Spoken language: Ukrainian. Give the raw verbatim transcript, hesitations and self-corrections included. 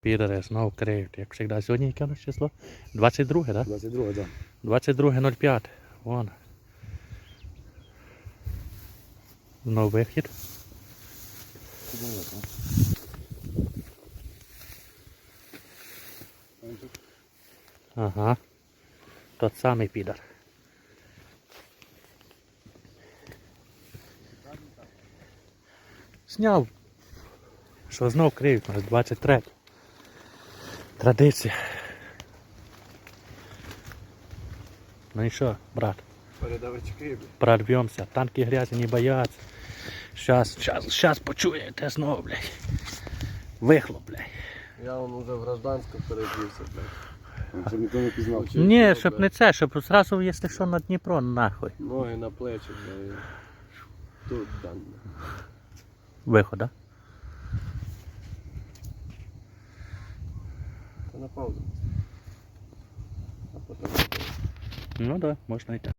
Підари знов криють, як завжди. Сьогодні яке у нас число? двадцять друге, так? двадцять друге, так. двадцять друге нуль п'яте. Вон. Знов вихід. Ага. Тот самий підар. Зняв. Що знов криють у нас двадцять третє. Традиція. Ну і що, брат? Передавачки. Прорвемся. Танки грязі не бояться. Щас, щас, щас почуєте знову, блядь. Вихлоп, блядь. Я вон уже в гражданську перебився, блядь. Щоб ніхто не пізнав. Ні, щоб не це, щоб зразу, якщо що, на Дніпро, нахуй. Ноги на плечі, блядь. Тут, там. Виход, да? Та на паузу. А потім. Ну да, можна йти.